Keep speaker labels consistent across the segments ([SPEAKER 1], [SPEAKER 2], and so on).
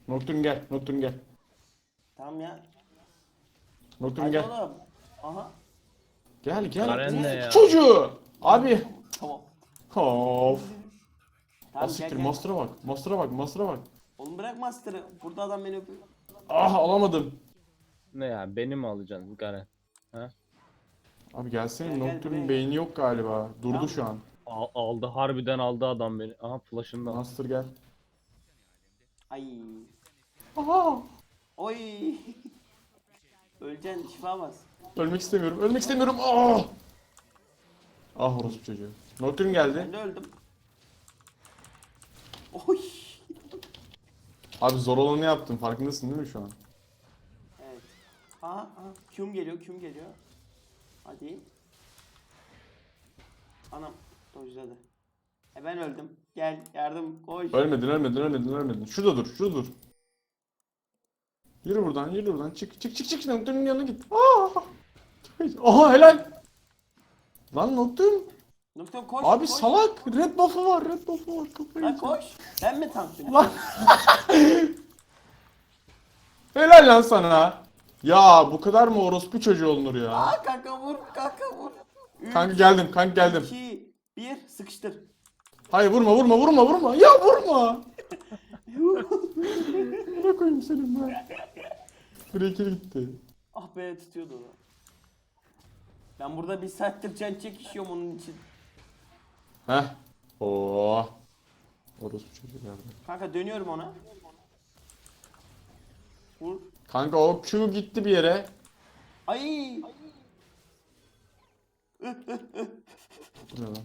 [SPEAKER 1] Nocturne gel. Nocturne gel.
[SPEAKER 2] Tamam ya.
[SPEAKER 1] Nocturne
[SPEAKER 2] Hadi
[SPEAKER 1] gel.
[SPEAKER 2] oğlum. Aha.
[SPEAKER 1] Gel gel.
[SPEAKER 3] Garen ne
[SPEAKER 1] Orospu
[SPEAKER 3] ya?
[SPEAKER 1] çocuğu. Abi.
[SPEAKER 2] Tamam.
[SPEAKER 1] Of.
[SPEAKER 2] Tamam gel
[SPEAKER 1] Asiktir
[SPEAKER 2] gel.
[SPEAKER 1] master'a bak. Master'a bak. Master'a bak.
[SPEAKER 2] Oğlum bırak Master'ı. Burada adam beni öpüyor.
[SPEAKER 1] Ah alamadım.
[SPEAKER 3] Ne ya, beni mi alacaksın Garen? Ha?
[SPEAKER 1] Abi gelsene,
[SPEAKER 2] Gel, gel, buraya
[SPEAKER 1] Nocturne'un
[SPEAKER 2] gel.
[SPEAKER 1] beyni yok galiba. Durdu
[SPEAKER 2] Tamam.
[SPEAKER 1] şu an.
[SPEAKER 3] Aldı, harbiden aldı adam beni. Aha, flash'ını da aldı.
[SPEAKER 1] Master gel.
[SPEAKER 2] Ay.
[SPEAKER 1] Aha.
[SPEAKER 2] Oy. Öleceksin, şifa bas.
[SPEAKER 1] Ölmek istemiyorum. Ölmek istemiyorum. Ah. Ah orospu çocuğu. Nocturne geldi.
[SPEAKER 2] Ben de öldüm. Oy.
[SPEAKER 1] Abi zor olanı yaptım. Farkındasın değil mi şu an?
[SPEAKER 2] Evet. Aha, Q'm geliyor, Q'm geliyor. Hadi. Anam dojladı. Ben öldüm. Gel yardım koş.
[SPEAKER 1] Ölmedin, ölmedin, ölmedin, ölmedin. Şurada dur, şurada dur. Yürü buradan, yürü buradan. Çık, çık, çık, çık. Nocturne'un yanına git. Ah! Aha helal. Lan Nocturne.
[SPEAKER 2] Doktor koş.
[SPEAKER 1] Abi
[SPEAKER 2] koş.
[SPEAKER 1] salak. Red buff'ı var, red buff'ı var. Kafayı
[SPEAKER 2] Lan
[SPEAKER 1] yiyeceğim.
[SPEAKER 2] koş. Ben mi tanklıyorum?
[SPEAKER 1] Lan. Helal lan sana. Ya bu kadar mı orospu çocuğu olunur ya?
[SPEAKER 2] Aa kanka vur, kanka vur.
[SPEAKER 1] Kanka geldim, kanka geldim.
[SPEAKER 2] 2, 1 sıkıştır.
[SPEAKER 1] Hayır vurma, vurma, vurma, vurma. Ya vurma. Bırak koyayım senin ben. Breaker gitti.
[SPEAKER 2] Ah be tutuyordu onu. Ben burada bir saattir can çekişiyorum onun için.
[SPEAKER 1] Heh. Oo. Orospu çocuğu geldi.
[SPEAKER 2] Kanka dönüyorum ona. Vur.
[SPEAKER 1] Kanka o Q gitti bir yere.
[SPEAKER 2] Ay.
[SPEAKER 1] Bu ne lan?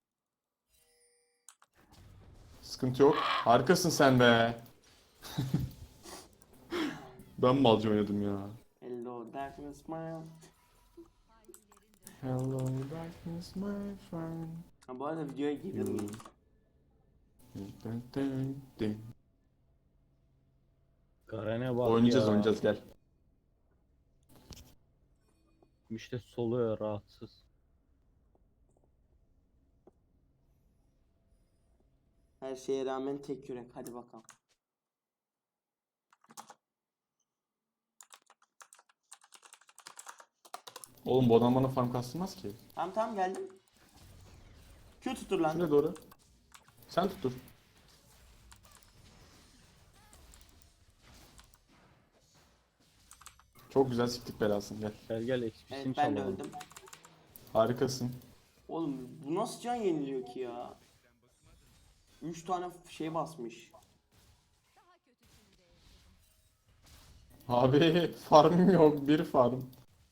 [SPEAKER 1] Sıkıntı yok. Harikasın sen be. Ben malca oynadım ya.
[SPEAKER 2] Hello darkness my.
[SPEAKER 1] Hello darkness my friend.
[SPEAKER 2] Ha bu arada videoya gelir miyim?
[SPEAKER 1] Dın dın dın.
[SPEAKER 3] Garen'e bak
[SPEAKER 1] Oynayacağız
[SPEAKER 3] ya.
[SPEAKER 1] oynayacağız gel.
[SPEAKER 3] İşte soluyor rahatsız.
[SPEAKER 2] Her şeye rağmen tek yürek. Hadi bakalım.
[SPEAKER 1] Oğlum bu adam bana farm kastırmaz ki.
[SPEAKER 2] Tamam tamam geldim. Q tutur lan.
[SPEAKER 1] Şuraya doğru. Sen tuttur. Çok güzel siktik belasını gel.
[SPEAKER 3] Gel gel, XP'sini
[SPEAKER 2] Evet ben de
[SPEAKER 3] çalalım.
[SPEAKER 2] öldüm.
[SPEAKER 1] Harikasın.
[SPEAKER 2] Oğlum bu nasıl can yeniliyor ki ya? 3 tane şey basmış.
[SPEAKER 1] Abi farmım yok, bir farm.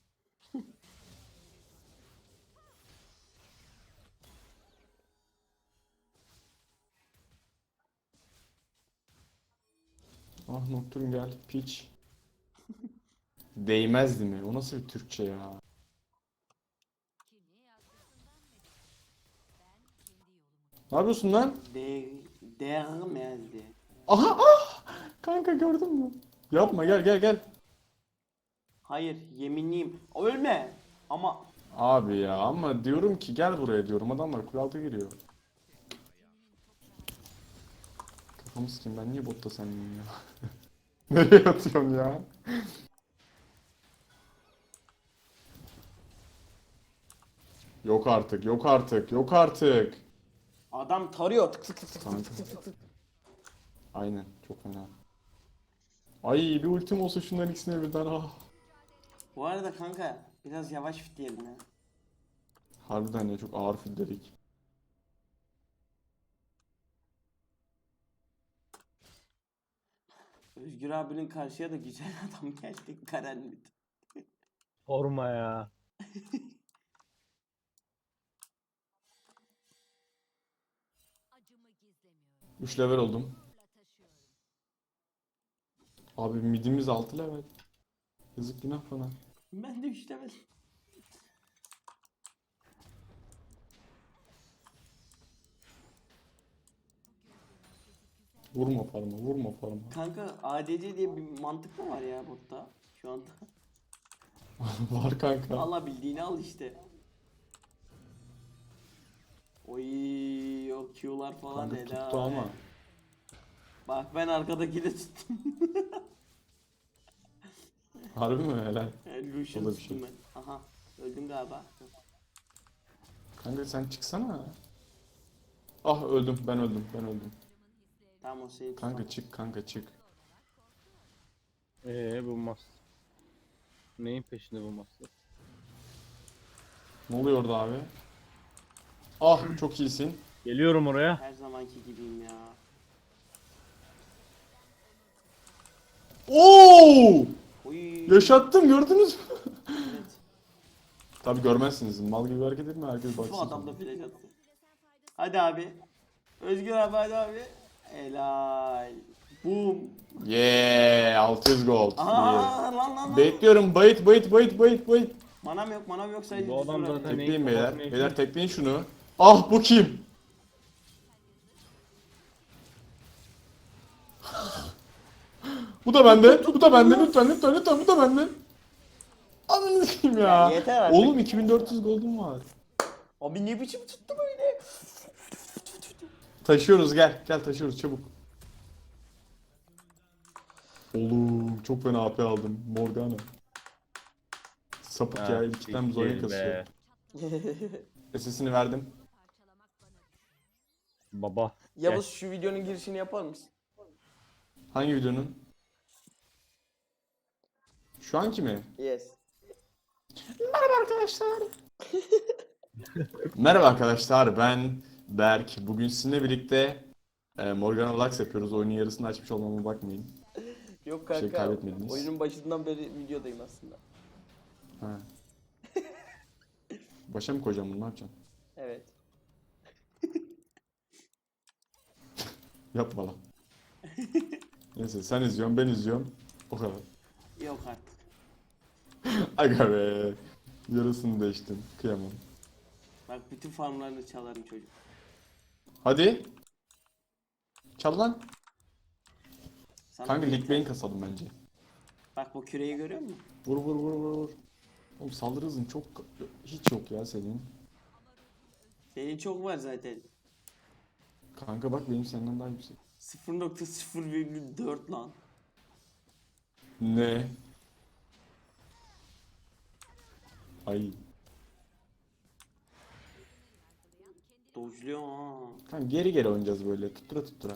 [SPEAKER 1] Ah Nocturne gel, piç. Değmezdi mi? O nasıl bir Türkçe ya? Ne yapıyorsun lan?
[SPEAKER 2] Değmezdi.
[SPEAKER 1] Aha ah! Kanka gördün mü? Yapma gel gel gel.
[SPEAKER 2] Hayır yeminliyim. Ölme. Ama
[SPEAKER 1] Abi ya ama diyorum ki gel buraya diyorum. Adamlar kule altı giriyor. Kafamı sikeyim ben niye botta sendeyim ya? Nereye atıyorsun ya? Yok artık, yok artık, yok artık.
[SPEAKER 2] adam tarıyor. Tık tık tık tık
[SPEAKER 1] Kanka.
[SPEAKER 2] tık tık tık tık.
[SPEAKER 1] Aynen, çok fena. Ay bir ultim olsa şunların ikisine birden ah.
[SPEAKER 2] Bu arada kanka biraz yavaş fit diyelim ya.
[SPEAKER 1] Harbiden ya çok ağır filledik.
[SPEAKER 2] Özgür abinin karşıya da güzel adam geldi. Karen mi?
[SPEAKER 3] Sorma ya.
[SPEAKER 1] 3 level oldum. Abi midimiz 6 level. Yazık günah bana.
[SPEAKER 2] Ben de üçlemedim.
[SPEAKER 1] Vurma parma, vurma parma.
[SPEAKER 2] Kanka ADC diye bir mantık mı var ya botta şu anda?
[SPEAKER 1] Var kanka.
[SPEAKER 2] Alabildiğini al işte. Oy o Q'lar falan
[SPEAKER 1] Kanka
[SPEAKER 2] helal.
[SPEAKER 1] tuttu ama.
[SPEAKER 2] Bak ben arkadaki de tuttum.
[SPEAKER 1] Harbi mi helal?
[SPEAKER 2] Lucian
[SPEAKER 1] O da bir
[SPEAKER 2] tuttum
[SPEAKER 1] şey.
[SPEAKER 2] ben. Aha. Öldüm galiba.
[SPEAKER 1] Kanka sen çıksana. Ah öldüm ben öldüm.
[SPEAKER 2] Tamam o seni
[SPEAKER 1] Kanka
[SPEAKER 2] tutamaz.
[SPEAKER 1] çık kanka çık.
[SPEAKER 3] Bu master. Neyin peşinde bu master?
[SPEAKER 1] Ne oluyor orada abi? Ah çok iyisin.
[SPEAKER 3] Geliyorum oraya.
[SPEAKER 2] Her zamanki gibiyim ya.
[SPEAKER 1] Oo!
[SPEAKER 2] Oy.
[SPEAKER 1] Yaşattım gördünüz mü?
[SPEAKER 2] Evet.
[SPEAKER 1] Tabi görmezsiniz. Mal gibi hareket etme herkes baksın.
[SPEAKER 2] Bu adam da flash attı. Hadi abi. Özgür abi hadi abi. Helal. Boom.
[SPEAKER 1] Yeah 600 gold.
[SPEAKER 2] Aha lan.
[SPEAKER 1] Bekliyorum bayıt.
[SPEAKER 2] Manam yok sadece
[SPEAKER 3] Bu adam
[SPEAKER 2] düz vurabilirim.
[SPEAKER 3] zaten-
[SPEAKER 1] Tekleyin
[SPEAKER 3] neyin
[SPEAKER 1] beyler.
[SPEAKER 3] kafasını
[SPEAKER 1] Beyler
[SPEAKER 3] yiyeyim?
[SPEAKER 1] tekleyin şunu. Ah bu kim? Bu da bende. Bu da bende. Lütfen bu da bende. Ananı sikeyim ya.
[SPEAKER 2] Ya yeter artık.
[SPEAKER 1] Oğlum 2400 gold'um var.
[SPEAKER 2] Abi ne biçim tuttu böyle?
[SPEAKER 1] Taşıyoruz gel. Gel taşıyoruz çabuk. Oğlum çok fena AP aldım. Morgana. Sapık ya. İlkten Zonya
[SPEAKER 3] siktir
[SPEAKER 1] kasıyor.
[SPEAKER 3] be.
[SPEAKER 1] SS'ini verdim.
[SPEAKER 3] Baba.
[SPEAKER 2] Yavuz şu videonun girişini yapar mısın?
[SPEAKER 1] Hangi videonun? Şu anki mi?
[SPEAKER 2] Yes.
[SPEAKER 1] Merhaba arkadaşlar. Merhaba arkadaşlar ben Berk. Bugün sizinle birlikte Morgana Lux yapıyoruz. Oyunun yarısını açmış olmama bakmayın.
[SPEAKER 2] Yok
[SPEAKER 1] Bir şey
[SPEAKER 2] kanka.
[SPEAKER 1] kaybetmediniz.
[SPEAKER 2] Oyunun başından beri videodayım aslında.
[SPEAKER 1] Ha. Başa mı koyacağım bunu ne yapacağım?
[SPEAKER 2] Evet.
[SPEAKER 1] Yapma lan. Neyse sen izliyorsun ben izliyorum. O kadar.
[SPEAKER 2] Yok artık.
[SPEAKER 1] Aga be. Yarısını değiştim. Kıyamam.
[SPEAKER 2] Bak bütün farmlarını çalarım çocuk.
[SPEAKER 1] Hadi. Çal lan.
[SPEAKER 2] Sana
[SPEAKER 1] Kanka
[SPEAKER 2] bir
[SPEAKER 1] Lig
[SPEAKER 2] yeter.
[SPEAKER 1] Bane kasalım bence.
[SPEAKER 2] Bak bu küreyi görüyor musun?
[SPEAKER 1] Vur. Oğlum saldırı hızın çok hiç yok ya senin.
[SPEAKER 2] Senin çok var zaten.
[SPEAKER 1] Kanka bak benim senden daha yüksek.
[SPEAKER 2] 0.0,4 lan.
[SPEAKER 1] Ne? Ay.
[SPEAKER 2] Dojluyor ha.
[SPEAKER 1] Kanka geri oynayacağız böyle tuttura.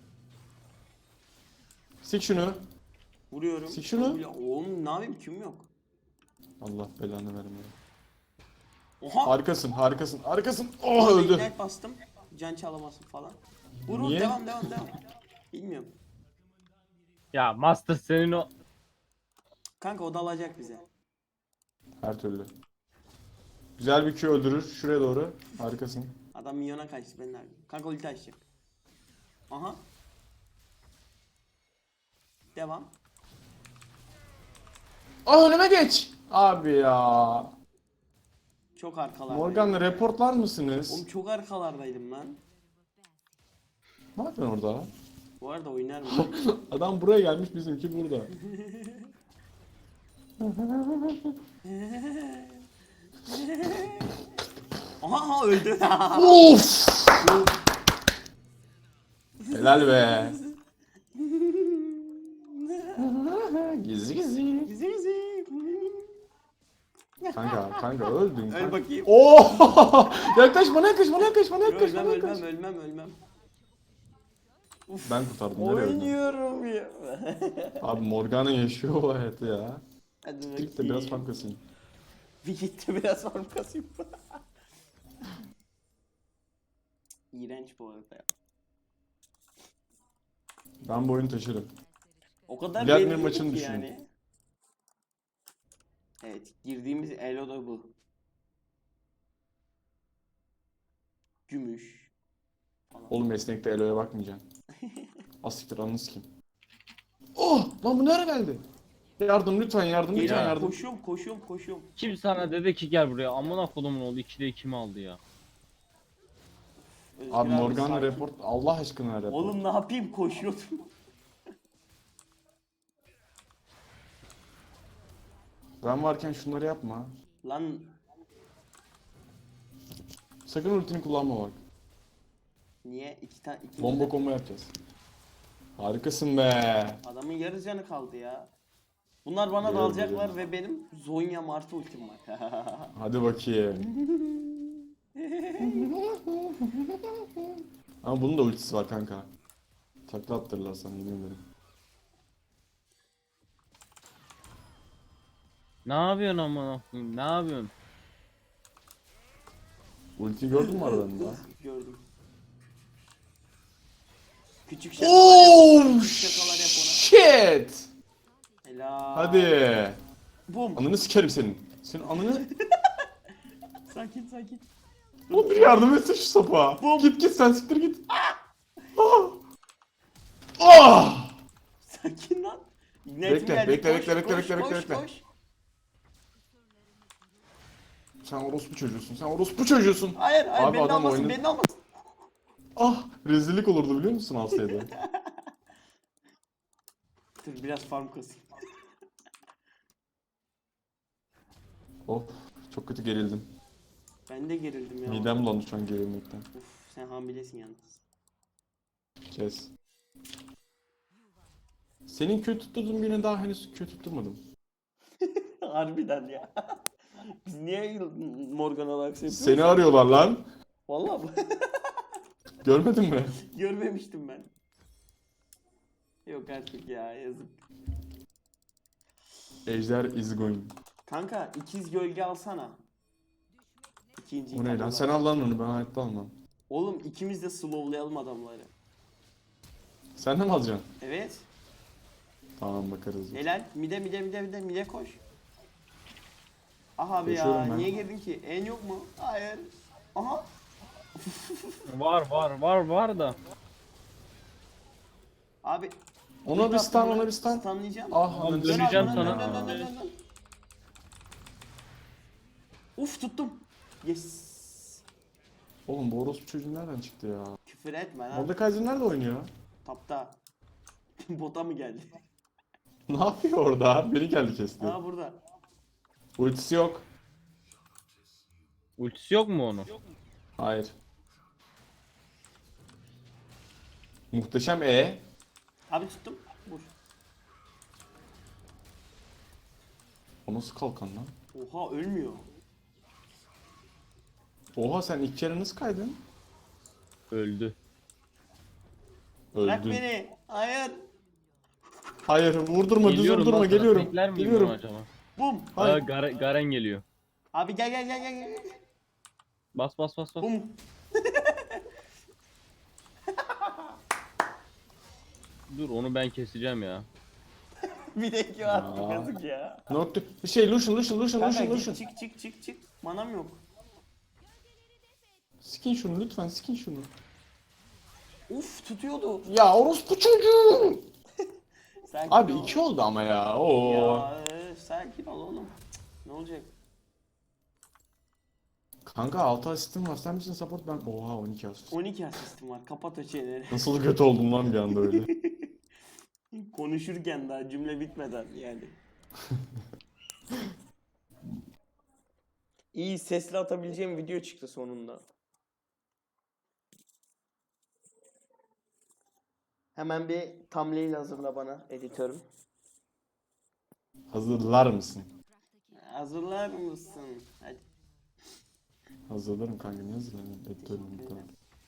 [SPEAKER 1] Sik şunu.
[SPEAKER 2] Vuruyorum.
[SPEAKER 1] Sik şunu.
[SPEAKER 2] Oğlum ne yapayım kim yok?
[SPEAKER 1] Allah belanı vermeye.
[SPEAKER 2] Oha.
[SPEAKER 1] Harikasın. Oh
[SPEAKER 2] Orada
[SPEAKER 1] öldü.
[SPEAKER 2] ignite bastım. Can çalamasın falan. Vur
[SPEAKER 1] Niye?
[SPEAKER 2] devam. Bilmiyorum.
[SPEAKER 3] Ya master senin o...
[SPEAKER 2] Kanka o da alacak bize.
[SPEAKER 1] Her türlü. Güzel bir Q öldürür. Şuraya doğru. Harikasın.
[SPEAKER 2] Adam milyona kaçtı ben de abi. Kanka ulti açacak. Aha. Devam.
[SPEAKER 1] Ah önüme geç. Abi ya.
[SPEAKER 2] Çok arkalardaydım.
[SPEAKER 1] Morgan'la reportlar mısınız?
[SPEAKER 2] Oğlum çok arkalardaydım lan.
[SPEAKER 1] Ne yapıyorsun orada?
[SPEAKER 2] Bu arada oynar mı?
[SPEAKER 1] Adam buraya gelmiş bizimki burada.
[SPEAKER 2] Aha öldü.
[SPEAKER 1] Of! Helal be. Gizli.
[SPEAKER 2] Zizi.
[SPEAKER 1] Kanka öldün.
[SPEAKER 2] Öl
[SPEAKER 1] kanka.
[SPEAKER 2] bakayım.
[SPEAKER 1] Oo! Yaklaş bana yaklaş.
[SPEAKER 2] Ölmem.
[SPEAKER 1] Ben kurtardım. Nereye öldün?
[SPEAKER 2] Oynuyorum ya.
[SPEAKER 1] Abi Morgana yaşıyor o hayatı ya.
[SPEAKER 2] Hadi
[SPEAKER 1] Git de biraz
[SPEAKER 2] bakayım.
[SPEAKER 1] fark kasayım.
[SPEAKER 2] Bir gitti biraz farm kasayım. İğrenç bu arada ya.
[SPEAKER 1] Ben bu oyunu taşırım.
[SPEAKER 2] O kadar
[SPEAKER 1] Vladimir
[SPEAKER 2] belli
[SPEAKER 1] maçını
[SPEAKER 2] ki
[SPEAKER 1] düşünün.
[SPEAKER 2] yani. Evet, girdiğimiz elo da bu. Gümüş. Falan.
[SPEAKER 1] Oğlum esnekte Elo'ya bakmayacaksın. Asiktir anını sikeyim. Oh! Lan bu nereye geldi? Yardım lütfen yardım.
[SPEAKER 2] Geliyorum, koşuyorum.
[SPEAKER 3] Kim sana dedi ki gel buraya? Amına kodumun oldu. 2'de 2 mi aldı ya?
[SPEAKER 2] Özgür
[SPEAKER 1] Abi Morgana
[SPEAKER 2] sakin.
[SPEAKER 1] report Allah aşkına report.
[SPEAKER 2] Oğlum ne yapayım koşuyordum.
[SPEAKER 1] Ben varken şunları yapma.
[SPEAKER 2] Lan
[SPEAKER 1] Sakın ultini kullanma bak.
[SPEAKER 2] niye iki tane
[SPEAKER 1] Bomba combo yapacağız. Harikasın be.
[SPEAKER 2] Adamın yarı canı kaldı ya. Bunlar bana
[SPEAKER 1] Biliyorum,
[SPEAKER 2] dalacaklar
[SPEAKER 1] biliyorum.
[SPEAKER 2] ve benim Zonya Martı ultim var.
[SPEAKER 1] Hadi bakayım. Ama bunun da ultisi var kanka. Takla attırırlar sana, yemin ederim.
[SPEAKER 3] Ne yapıyorsun amına koyayım? Ne yapıyorsun?
[SPEAKER 1] Ultiyi gördün mü aralarında?
[SPEAKER 2] Gördüm. Küçük şakalar yap.
[SPEAKER 1] Oh
[SPEAKER 2] Küçük şakalar yap ona.
[SPEAKER 1] shit.
[SPEAKER 2] Helal.
[SPEAKER 1] Hadi.
[SPEAKER 2] Bum.
[SPEAKER 1] Ananı sikerim senin. Senin ananı...
[SPEAKER 2] Sakin sakin.
[SPEAKER 1] Oğlum bir yardım etsene şu sapa.
[SPEAKER 2] Bum.
[SPEAKER 1] Git sen siktir git. Ah! Ah!
[SPEAKER 2] Sakin lan. Net
[SPEAKER 1] Bekle,
[SPEAKER 2] mi geldi?
[SPEAKER 1] bekle,
[SPEAKER 2] Koş,
[SPEAKER 1] bekle, bekle,
[SPEAKER 2] koş,
[SPEAKER 1] bekle,
[SPEAKER 2] koş,
[SPEAKER 1] bekle.
[SPEAKER 2] koş.
[SPEAKER 1] Sen orospu çocuğusun. Sen orospu çocuğusun.
[SPEAKER 2] Hayır, hayır,
[SPEAKER 1] Abi
[SPEAKER 2] beni
[SPEAKER 1] adam
[SPEAKER 2] almasın,
[SPEAKER 1] oyunu-
[SPEAKER 2] beni almasın.
[SPEAKER 1] Ah, rezillik olurdu biliyor musun alsaydı?
[SPEAKER 2] Dur biraz farm kasayım.
[SPEAKER 1] Of, çok kötü gerildim.
[SPEAKER 2] Ben de gerildim ya.
[SPEAKER 1] Midem bulandı şu an gerilmekten.
[SPEAKER 2] Uf, sen hamilesin yalnız.
[SPEAKER 1] Kes. Senin kötü tutturduğun birine daha henüz kötü tutturmadım.
[SPEAKER 2] Harbiden ya. Biz niye Morgan olarak yapıyoruz?
[SPEAKER 1] Seni arıyorlar lan.
[SPEAKER 2] Vallahi bu-
[SPEAKER 1] Görmedin mi?
[SPEAKER 2] görmemiştim ben. Yok artık ya, yazık.
[SPEAKER 1] Ejder is going.
[SPEAKER 2] Kanka ikiz gölge alsana. İkinci
[SPEAKER 1] O ne lan? Sen al lan onu, ben hayatta almam.
[SPEAKER 2] Oğlum ikimiz de slowlayalım adamları.
[SPEAKER 1] Sen de mi alacaksın?
[SPEAKER 2] Evet.
[SPEAKER 1] Tamam bakarız.
[SPEAKER 2] Helal. Mide koş. Aha abi ya.
[SPEAKER 1] Koşuyorum ben.
[SPEAKER 2] Niye girdin ki? En yok mu? Hayır. Aha.
[SPEAKER 3] Var da.
[SPEAKER 2] Abi.
[SPEAKER 1] Ona bir stun, ona bir stun.
[SPEAKER 2] Stunlayacağım.
[SPEAKER 1] Ah,
[SPEAKER 3] Tamam,
[SPEAKER 1] ananı
[SPEAKER 3] döneceğim
[SPEAKER 1] sikeyim
[SPEAKER 3] sana.
[SPEAKER 1] ya.
[SPEAKER 2] Dön. Uf tuttum. Yes.
[SPEAKER 1] Oğlum bu orospu çocuğu nereden çıktı ya?
[SPEAKER 2] Küfür etme lan.
[SPEAKER 1] Mordekaiser nerede oynuyor?
[SPEAKER 2] Tapta. Bota mı geldi?
[SPEAKER 1] Ne yapıyor orada? Biri geldi kesti.
[SPEAKER 2] Aa burada.
[SPEAKER 1] Ultisi yok.
[SPEAKER 3] Ultisi yok mu onun?
[SPEAKER 1] Hayır. Muhteşem E.
[SPEAKER 2] Abi tuttum. Vur.
[SPEAKER 1] O nasıl kalkan lan?
[SPEAKER 2] Oha ölmüyor.
[SPEAKER 1] Oha sen ilk kere nasıl kaydın?
[SPEAKER 3] Öldü.
[SPEAKER 2] Bırak
[SPEAKER 1] Öldün.
[SPEAKER 2] beni. Hayır.
[SPEAKER 1] Hayır vurdurma, düz
[SPEAKER 3] Geliyorum
[SPEAKER 1] vurdurma,
[SPEAKER 3] lan sana.
[SPEAKER 1] geliyorum.
[SPEAKER 3] Bekler miyim
[SPEAKER 1] Geliyorum.
[SPEAKER 3] bunu acaba?
[SPEAKER 2] Bum.
[SPEAKER 1] Hayır.
[SPEAKER 3] Garen geliyor.
[SPEAKER 2] Abi gel.
[SPEAKER 3] Bas.
[SPEAKER 2] Bum.
[SPEAKER 3] Dur onu ben keseceğim ya.
[SPEAKER 2] Bir de iki attı
[SPEAKER 1] Aa.
[SPEAKER 2] yazık ya.
[SPEAKER 1] Nokta. Bir şey Lucian.
[SPEAKER 2] Kanka git çık. Manam yok.
[SPEAKER 1] Skin şunu lütfen, skin şunu.
[SPEAKER 2] Uf tutuyordu.
[SPEAKER 1] Ya orospu çocuğu.
[SPEAKER 2] Sakin
[SPEAKER 1] Abi
[SPEAKER 2] ol.
[SPEAKER 1] 2 oldu ama ya. Oo.
[SPEAKER 2] Ya sakin ol oğlum. Cık, ne olacak?
[SPEAKER 1] Kanka 6 asistim var. Sen misin support, ben? Oha 12 asist.
[SPEAKER 2] 12 asistim var. Kapat o çeneni.
[SPEAKER 1] Nasıl kötü oldum lan bir anda öyle.
[SPEAKER 2] Konuşurken daha cümle bitmeden yani. İyi sesli atabileceğim video çıktı sonunda. Hemen bir thumbnail hazırla bana editörüm.
[SPEAKER 1] Hazırlar mısın?
[SPEAKER 2] Hazırlar mısın? Hadi.
[SPEAKER 1] Hazırlarım kanka, ne hazırlarım? Editörüm bu kadar.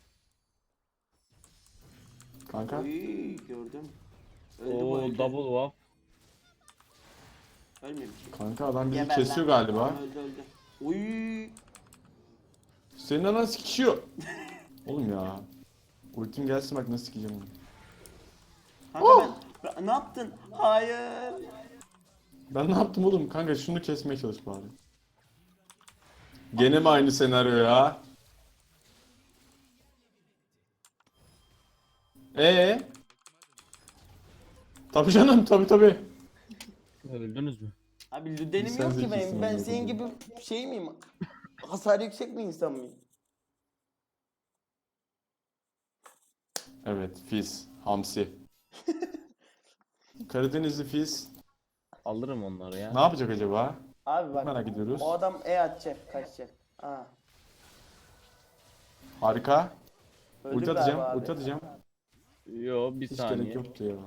[SPEAKER 1] Kanka
[SPEAKER 2] Oy gördüm. Öldü bu
[SPEAKER 3] Oo
[SPEAKER 2] öldü.
[SPEAKER 3] double wap.
[SPEAKER 2] Ölmemiş.
[SPEAKER 1] kanka adam bizi
[SPEAKER 2] Geber
[SPEAKER 1] kesiyor
[SPEAKER 2] lan.
[SPEAKER 1] galiba.
[SPEAKER 2] Tamam, öldü. Oy.
[SPEAKER 1] Senin anan sikişiyor. Oğlum ya. Ultim gelsin bak nasıl sikeceğim onu.
[SPEAKER 2] Kanka ben ne yaptın? Hayır.
[SPEAKER 1] Ben ne yaptım oğlum? Kanka şunu kesmeye çalış bari. Gene mi aynı senaryo ya? Tabii canım, tabii.
[SPEAKER 3] Öldünüz mü?
[SPEAKER 2] Abi lüdenim
[SPEAKER 1] Sen
[SPEAKER 2] yok ki
[SPEAKER 1] zekisin
[SPEAKER 2] benim. Ben
[SPEAKER 1] ama
[SPEAKER 2] senin
[SPEAKER 1] lüdenim.
[SPEAKER 2] gibi şey miyim? Hasar yüksek bir insan mıyım?
[SPEAKER 1] Evet, Fizz, Hamsi. Karadenizli Fizz.
[SPEAKER 3] Alırım onları ya.
[SPEAKER 1] Ne yapacak acaba?
[SPEAKER 2] Abi bak.
[SPEAKER 1] Merak ediyoruz.
[SPEAKER 2] O adam atacak, kaçacak.
[SPEAKER 1] Harika.
[SPEAKER 2] Öldü
[SPEAKER 1] Ulti
[SPEAKER 2] galiba
[SPEAKER 1] atacağım,
[SPEAKER 2] abi.
[SPEAKER 1] ulti atacağım.
[SPEAKER 3] Yo bir
[SPEAKER 1] Hiç
[SPEAKER 3] saniye.
[SPEAKER 1] gerek yoktu ya.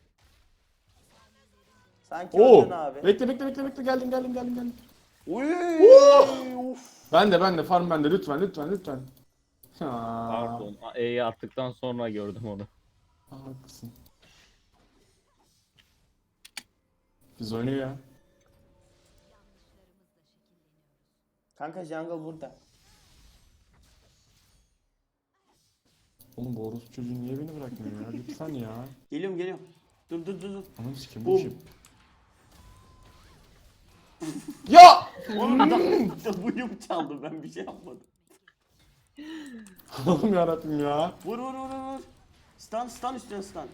[SPEAKER 2] Sanki
[SPEAKER 1] Oo!
[SPEAKER 2] öldün abi.
[SPEAKER 1] Bekle geldim.
[SPEAKER 2] Uy! Uf.
[SPEAKER 1] Ben de farm bende lütfen. Ha.
[SPEAKER 3] Pardon. E'yi attıktan sonra gördüm onu.
[SPEAKER 1] Haklısın. Biz oynuyor ya.
[SPEAKER 2] Kanka jungle burada.
[SPEAKER 1] Oğlum bu orospu çocuğu niye beni bırakmıyor ya? Lütfen ya.
[SPEAKER 2] Geliyorum. Dur.
[SPEAKER 1] Anam sikim
[SPEAKER 2] Bum.
[SPEAKER 1] bu kim? Ya!
[SPEAKER 2] Oğlum adam W'yum çaldı, ben bir şey yapmadım.
[SPEAKER 1] Allah'ım yarabbim ya.
[SPEAKER 2] Vur. Stun üstüne stun.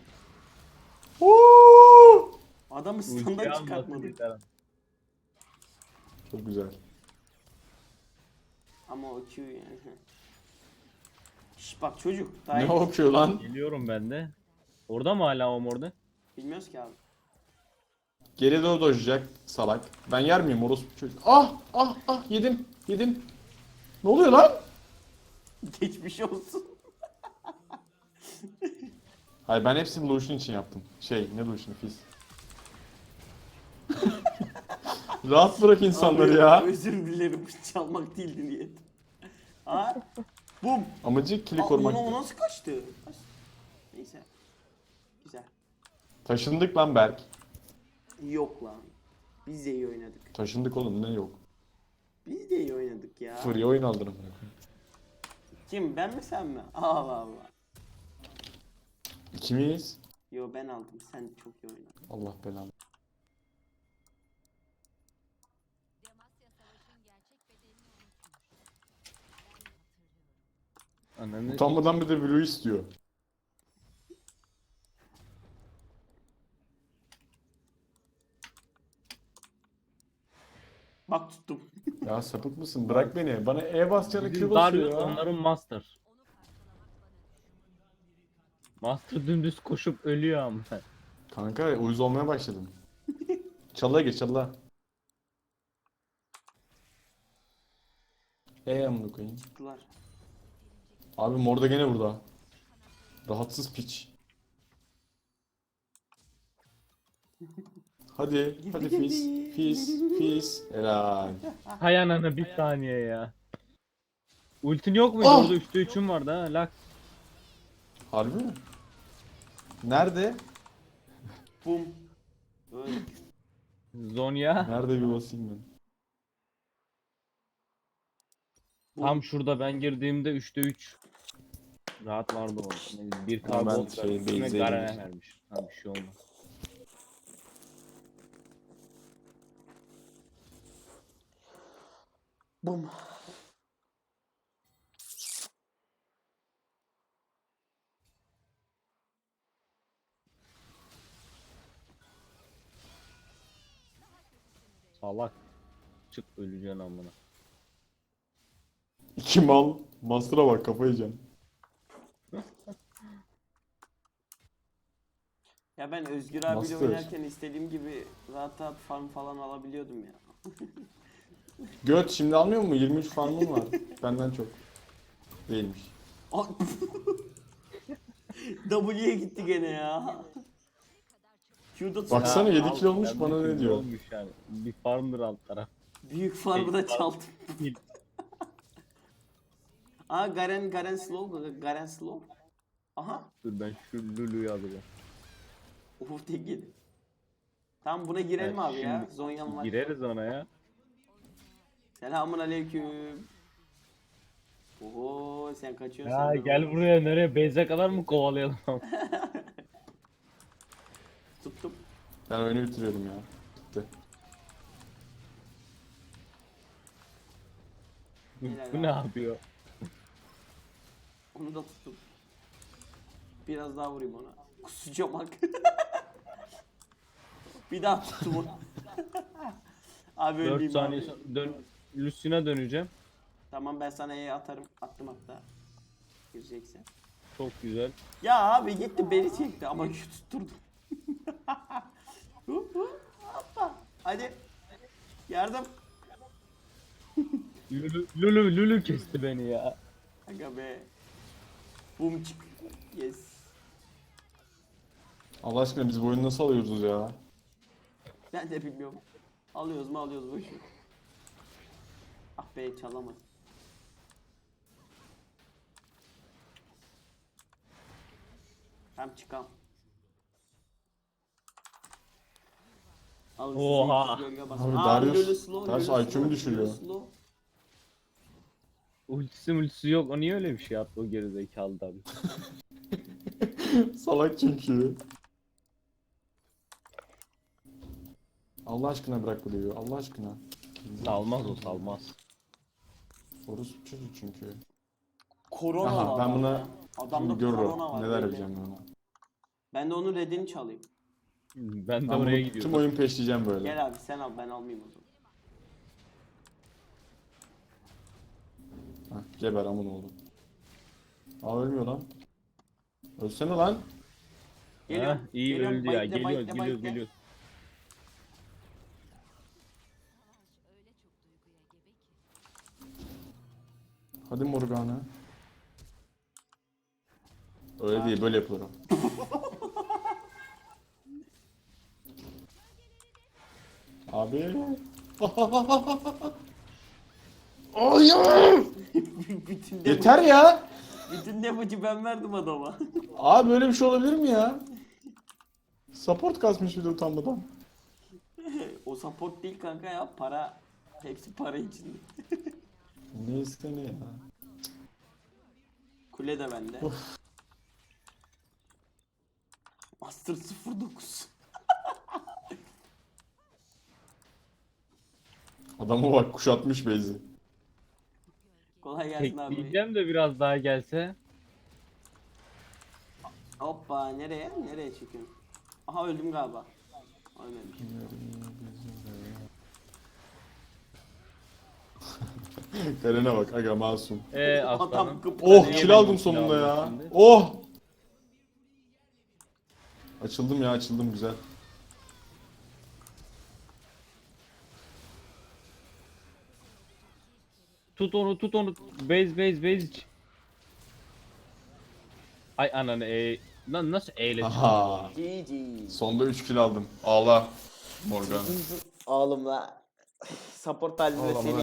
[SPEAKER 1] Oo!
[SPEAKER 2] Adamı
[SPEAKER 3] Ulti
[SPEAKER 2] stun'dan
[SPEAKER 3] almasın
[SPEAKER 2] çıkartmadım.
[SPEAKER 3] yeter.
[SPEAKER 1] Çok güzel.
[SPEAKER 2] Ama o Q yani. Şş bak çocuk. Daha
[SPEAKER 1] Ne
[SPEAKER 2] iyi.
[SPEAKER 1] okuyor lan?
[SPEAKER 3] Geliyorum ben de. Orada mı hala o orada?
[SPEAKER 2] Bilmiyoruz ki abi.
[SPEAKER 1] Geri doğru dojacak salak. Ben yer miyim orospu çocuk? Yedim. Ne oluyor lan?
[SPEAKER 2] Geçmiş olsun.
[SPEAKER 1] Hayır ben hepsini Lucian için yaptım. Ne Lucian? Fizz. Rahat bırak insanları
[SPEAKER 2] Abi,
[SPEAKER 1] ya.
[SPEAKER 2] Özür dilerim, çalmak değildi niyet. Ha? Bum.
[SPEAKER 1] Amacı kili
[SPEAKER 2] Aa,
[SPEAKER 1] korumak.
[SPEAKER 2] o nasıl kaçtı? Neyse. Güzel.
[SPEAKER 1] Taşındık lan Berk.
[SPEAKER 2] Yok lan. Biz de iyi oynadık.
[SPEAKER 1] Taşındık oğlum ne yok.
[SPEAKER 2] Biz de iyi oynadık ya.
[SPEAKER 1] Free oyun aldırım.
[SPEAKER 2] Kim? Ben mi sen mi? Allah Allah.
[SPEAKER 1] İkimiz.
[SPEAKER 2] Yo ben aldım. Sen çok iyi oynadın.
[SPEAKER 1] Allah belanı.
[SPEAKER 3] Ananı
[SPEAKER 1] Utanmadan bir de Blue istiyor.
[SPEAKER 2] Bak tuttum.
[SPEAKER 1] Ya sapık mısın? Bırak beni. Bana E basacağına
[SPEAKER 3] Bizim
[SPEAKER 1] Q basıyor
[SPEAKER 3] Darius
[SPEAKER 1] ya.
[SPEAKER 3] onların master. Master dümdüz koşup ölüyor ama.
[SPEAKER 1] Kanka uyuz olmaya başladım. Çalıya geç çalıya. Amına koyayım.
[SPEAKER 2] Tuttular.
[SPEAKER 1] Abi mor da gene burada. Rahatsız piç. Hadi Fizz. Helal.
[SPEAKER 3] Hay anana bir saniye ya. Ultin yok muydu?
[SPEAKER 1] Ah!
[SPEAKER 3] Orada 3'te 3'üm vardı ha. Lak.
[SPEAKER 1] Harbi mi? Nerede?
[SPEAKER 2] Bum. Öyle.
[SPEAKER 3] Zonya.
[SPEAKER 1] Nerede bir basayım ben?
[SPEAKER 3] Tam şurada ben girdiğimde 3'te 3. Rahat vardı orada. Bir
[SPEAKER 1] Hemen
[SPEAKER 3] karbon
[SPEAKER 1] şey,
[SPEAKER 3] üstüne
[SPEAKER 1] base'e
[SPEAKER 3] Garen'e
[SPEAKER 1] girmiş.
[SPEAKER 3] vermiş. Ha bir şey olmaz.
[SPEAKER 2] Bum.
[SPEAKER 3] Salak. Çık öleceksin amına.
[SPEAKER 1] İki mal. Master'a bak kafayı yiyeceğim.
[SPEAKER 2] Ya ben Özgür abiyle
[SPEAKER 1] Master.
[SPEAKER 2] oynarken istediğim gibi rahat rahat farm falan alabiliyordum ya.
[SPEAKER 1] Göt şimdi almıyor mu? 23 farmım var. Benden çok. Değilmiş.
[SPEAKER 2] Aa, W'ye gitti gene ya. Q'da tut.
[SPEAKER 1] Baksana
[SPEAKER 3] Ya,
[SPEAKER 1] 7
[SPEAKER 3] al,
[SPEAKER 1] kill olmuş
[SPEAKER 3] yani
[SPEAKER 1] bana ne
[SPEAKER 3] bir
[SPEAKER 1] diyor?
[SPEAKER 3] Olmuş yani. Bir farmdır alt taraf.
[SPEAKER 2] Büyük farmı da çaldım.
[SPEAKER 3] Değil.
[SPEAKER 2] Aa Garen slow. Garen slow. Aha.
[SPEAKER 3] Dur ben şu Lulu'yu alacağım.
[SPEAKER 2] Uf tek yedi. Tamam buna girelim
[SPEAKER 3] Evet,
[SPEAKER 2] abi ya.
[SPEAKER 3] şimdi
[SPEAKER 2] Zonya'm var.
[SPEAKER 3] Gireriz ona ya.
[SPEAKER 2] Selamun aleyküm. Oo sen kaçıyorsun.
[SPEAKER 3] Ya
[SPEAKER 2] sen de
[SPEAKER 3] gel
[SPEAKER 2] böyle.
[SPEAKER 3] buraya nereye? Beyze kadar mı kovalayalım?
[SPEAKER 2] Tuttum.
[SPEAKER 1] Ben oyunu bitiriyorum ya. Bitti.
[SPEAKER 3] Bu ne yapıyor?
[SPEAKER 2] Onu da tuttum. Biraz daha vurayım ona. Kusacağım bak. Bir daha tuttum onu. Abi
[SPEAKER 3] 4
[SPEAKER 2] ölmeyeyim
[SPEAKER 3] saniye
[SPEAKER 2] abi.
[SPEAKER 3] sonra Lucian'a döneceğim.
[SPEAKER 2] Tamam ben sana E'ye atarım. Attım hatta. Gireceksen.
[SPEAKER 3] Çok güzel.
[SPEAKER 2] Ya abi gitti beni çekti ama tutturdum. Hoppa. Hadi. Yardım.
[SPEAKER 3] Lulu kesti beni ya.
[SPEAKER 2] Aga be. Bum çık. Yes.
[SPEAKER 1] Allah aşkına biz bu oyunu nasıl alıyoruz ya?
[SPEAKER 2] Ben de bilmiyorum. Alıyoruz mu alıyoruz bu işi. Ah be çalamadım. Hem çıkam. Al size
[SPEAKER 3] Oha.
[SPEAKER 2] 200 gölge bas.
[SPEAKER 1] Abi
[SPEAKER 2] Aa,
[SPEAKER 1] Darius-
[SPEAKER 2] Lulu slow,
[SPEAKER 1] Darius
[SPEAKER 2] Lulu
[SPEAKER 1] IQ'mu
[SPEAKER 2] slow,
[SPEAKER 1] düşürüyor.
[SPEAKER 2] Lulu slow.
[SPEAKER 3] Ultisi yok. O niye öyle bir şey yaptı o gerizekalı tabi.
[SPEAKER 1] Salak çünkü. Allah aşkına bırak burayı. Allah aşkına.
[SPEAKER 3] Salmaz o salmaz.
[SPEAKER 1] Orası çocuk çünkü.
[SPEAKER 2] Korona
[SPEAKER 1] Aha
[SPEAKER 2] var
[SPEAKER 1] ben
[SPEAKER 2] adamda.
[SPEAKER 1] buna
[SPEAKER 2] Adamda
[SPEAKER 1] şimdi görürüm.
[SPEAKER 2] korona var.
[SPEAKER 1] Neler
[SPEAKER 2] belli.
[SPEAKER 1] yapacağım ben ona.
[SPEAKER 2] Ben de onun redini çalayım.
[SPEAKER 3] Ben de
[SPEAKER 1] Ben
[SPEAKER 3] oraya
[SPEAKER 1] bunu tüm
[SPEAKER 3] gidiyorum.
[SPEAKER 1] oyun peşleyeceğim böyle.
[SPEAKER 2] Gel abi sen al ben almayayım o zaman.
[SPEAKER 1] Hah, geber aman oğlum. Aa ölmüyor lan. Ölsene lan.
[SPEAKER 2] Geliyorum.
[SPEAKER 3] Heh, iyi
[SPEAKER 2] geliyorum.
[SPEAKER 3] öldü ya.
[SPEAKER 2] Bekle,
[SPEAKER 3] Geliyoruz
[SPEAKER 2] bekle,
[SPEAKER 3] geliyoruz
[SPEAKER 2] bekle.
[SPEAKER 3] geliyoruz.
[SPEAKER 1] Hadi Morgana. Öyle değil böyle yapılır o. Abi. Hayır.
[SPEAKER 2] bütün
[SPEAKER 1] Yeter ya.
[SPEAKER 2] Bütün damage'ı ben verdim adama.
[SPEAKER 1] Abi böyle bir şey olabilir mi ya? Support kasmış bir de utanmadan.
[SPEAKER 2] O support değil kanka ya para. Hepsi para içinde.
[SPEAKER 1] Neyse ne ya.
[SPEAKER 2] Kule de bende. Master 09.
[SPEAKER 1] Adama bak kuşatmış Beyzi.
[SPEAKER 2] Kolay gelsin abi.
[SPEAKER 3] Tekleyeceğim de biraz daha gelse.
[SPEAKER 2] Hoppa nereye? Nereye çekiyorsun? Aha öldüm galiba. Ölmemişim.
[SPEAKER 1] Karen'e bak aga masum.
[SPEAKER 2] Adam
[SPEAKER 3] Aslanım.
[SPEAKER 2] kıpkırmızı.
[SPEAKER 1] Oh kill aldım sonunda ya.
[SPEAKER 3] Şimdi.
[SPEAKER 1] Oh. Açıldım ya açıldım güzel.
[SPEAKER 3] Tut onu tut onu. Base iç. Ay ananı lan nasıl eyle
[SPEAKER 1] Aha.
[SPEAKER 2] GG.
[SPEAKER 1] Sonda 3 kill aldım. Ağla Morgan.
[SPEAKER 2] Ağlımla support halinde
[SPEAKER 1] Ağlama.
[SPEAKER 2] seni